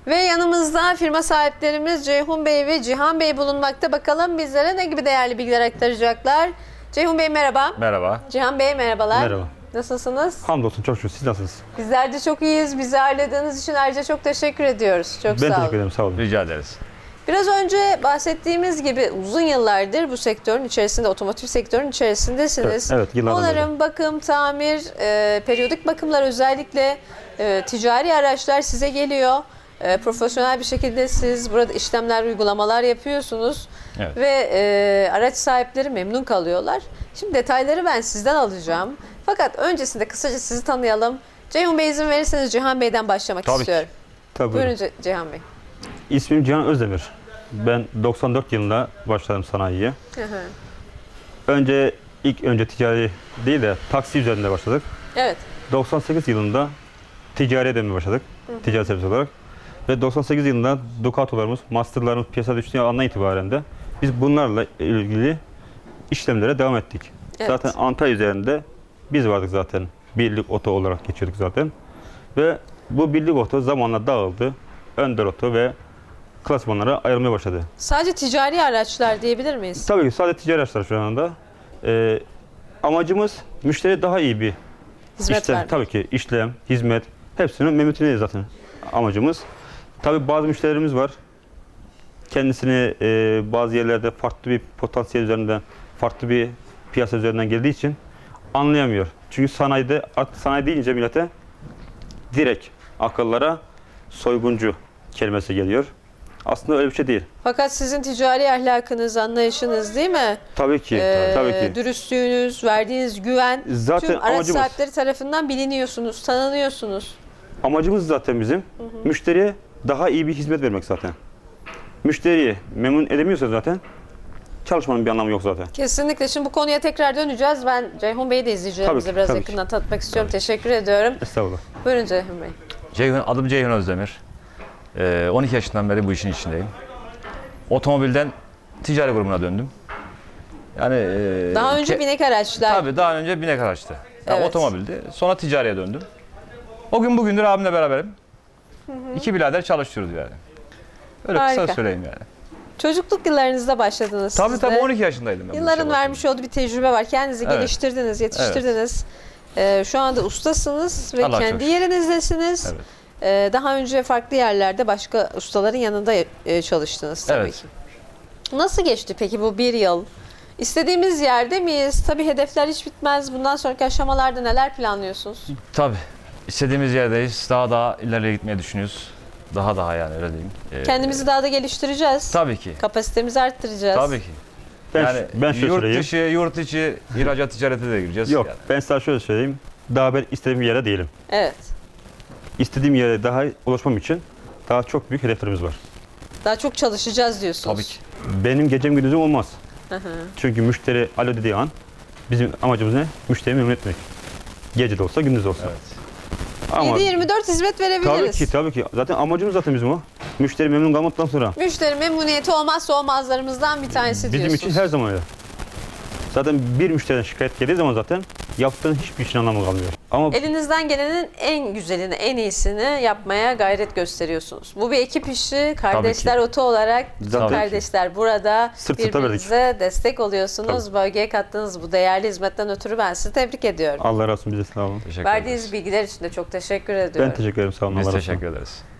Ve yanımızda firma sahiplerimiz Ceyhun Bey ve Cihan Bey bulunmakta. Bakalım bizlere ne gibi değerli bilgiler aktaracaklar. Ceyhun Bey merhaba. Merhaba. Cihan Bey merhabalar. Merhaba. Nasılsınız? Hamdolsun çok şükür. Siz nasılsınız? Bizler de çok iyiyiz. Bizi ağırladığınız için ayrıca çok teşekkür ediyoruz. Çok Ben sağ olun. teşekkür ederim. Sağ olun. Rica ederiz. Biraz önce bahsettiğimiz gibi uzun yıllardır bu sektörün içerisinde, otomotiv sektörün içerisindesiniz. Evet, yıllardan Onarım, bakım, tamir, periyodik bakımlar özellikle ticari araçlar size geliyor. Profesyonel bir şekilde siz burada işlemler, uygulamalar yapıyorsunuz. Evet. Ve araç sahipleri memnun kalıyorlar. Şimdi detayları ben sizden alacağım. Fakat öncesinde kısaca sizi tanıyalım. Ceyhun Bey izin verirseniz Cihan Bey'den başlamak Tabii ki. istiyorum. Tabii. Buyurun Cihan Bey. İsmim Cihan Özdemir. Ben 94 yılında başladım sanayiye. Hı hı. İlk önce ticari değil de taksi üzerinde başladık. Evet. 98 yılında ticariye dönmeye başladık. Ticari servis olarak. Ve 98 yılında Ducato'larımız, Master'larımız piyasada düştüğü andan itibaren de biz bunlarla ilgili işlemlere devam ettik. Evet. Zaten Antalya üzerinde biz vardık zaten. Birlik oto olarak geçiyorduk zaten. Ve bu birlik oto zamanla dağıldı. Önder oto ve klasmanlara ayrılmaya başladı. Sadece ticari araçlar diyebilir miyiz? Tabii ki sadece ticari araçlar şu anda. Amacımız müşteriye daha iyi bir Hizmet işlem, vermek. tabii ki işlem, hizmet hepsinin memnuniyeti zaten amacımız. Tabii bazı müşterilerimiz var. Kendisini bazı yerlerde farklı bir potansiyel üzerinden, farklı bir piyasa üzerinden geldiği için anlayamıyor. Çünkü sanayide, artık sanayi deyince millete direkt akıllara soyguncu kelimesi geliyor. Aslında öyle bir şey değil. Fakat sizin ticari ahlakınız, anlayışınız değil mi? Tabii ki, tabii ki. Dürüstlüğünüz, verdiğiniz güven Zaten tüm araç amacımız. sahipleri tarafından biliniyorsunuz, tanınıyorsunuz. Amacımız zaten bizim müşteriye daha iyi bir hizmet vermek zaten. Müşteriyi memnun edemiyorsa zaten çalışmanın bir anlamı yok zaten. Kesinlikle. Şimdi bu konuya tekrar döneceğiz. Ben Ceyhun Bey'i de izleyicilerimize Tabii ki, biraz tabii ki. yakından tanıtmak istiyorum. Teşekkür ediyorum. Estağfurullah. Buyurun Ceyhun Bey. Adım Ceyhun Özdemir. 12 yaşından beri bu işin içindeyim. Otomobilden ticari grubuna döndüm. Yani Daha önce binek araçlar. Tabii daha önce binek araçtı. Yani Evet. otomobildi. Sonra ticariye döndüm. O gün bugündür abimle beraberim. İki birader çalışıyoruz yani. Öyle Harika. kısa söyleyeyim yani. Çocukluk yıllarınızda başladınız Tabii siz tabii de. 12 yaşındaydım ben. bu işe Yılların başladığımda. vermiş olduğu bir tecrübe var. Kendinizi Evet. geliştirdiniz, yetiştirdiniz. Şu anda ustasınız ve Allah'a çok kendi şükür. yerinizdesiniz. Evet. Daha önce farklı yerlerde başka ustaların yanında çalıştınız tabii Evet. ki. Nasıl geçti peki bu bir yıl? İstediğimiz yerde miyiz? Tabii hedefler hiç bitmez. Bundan sonraki aşamalarda neler planlıyorsunuz? Tabii. İstediğimiz yerdeyiz. Daha ileriye gitmeyi düşünüyoruz. Daha yani öyle diyeyim. Kendimizi daha da geliştireceğiz. Tabii ki. Kapasitemizi arttıracağız. Tabii ki. Ben şöyle söyleyeyim. yurt içi ihracat ticarete de gireceğiz. Yok, Yani. ben sana şöyle söyleyeyim. Daha ben istediğim yere değilim. Evet. İstediğim yere daha ulaşmam için daha çok büyük hedeflerimiz var. Daha çok çalışacağız diyorsunuz. Tabii ki. Benim gecem gündüzüm olmaz. Hı hı. Çünkü müşteri alo dediği an bizim amacımız ne? Müşteriyi memnun etmek. Gece de olsa gündüz de olsa. Evet. Ama 7/24 hizmet verebiliriz. tabii ki. Zaten amacımız zaten bizim o. Müşteri memnun kalmadıktan sonra. Müşteri memnuniyeti olmazsa olmazlarımızdan bir tanesi Bizim diyorsunuz. için her zaman öyle. Zaten bir müşteriden şikayet geldiği zaman zaten yaptığın hiçbir işin anlamı kalmıyor. Ama Elinizden gelenin en güzelini, en iyisini yapmaya gayret gösteriyorsunuz. Bu bir ekip işi. Kardeşler Oto olarak Zaten kardeşler burada Sırt sırta birbirinize destek oluyorsunuz. Bölgeye kattığınız bu değerli hizmetten ötürü ben sizi tebrik ediyorum. Allah razı olsun, bize sağ olun. Teşekkür Verdiğiniz ederiz. bilgiler için de çok teşekkür ediyorum. Ben teşekkür ederim, sağ olun. Biz Allah razı olsun. teşekkür ederiz.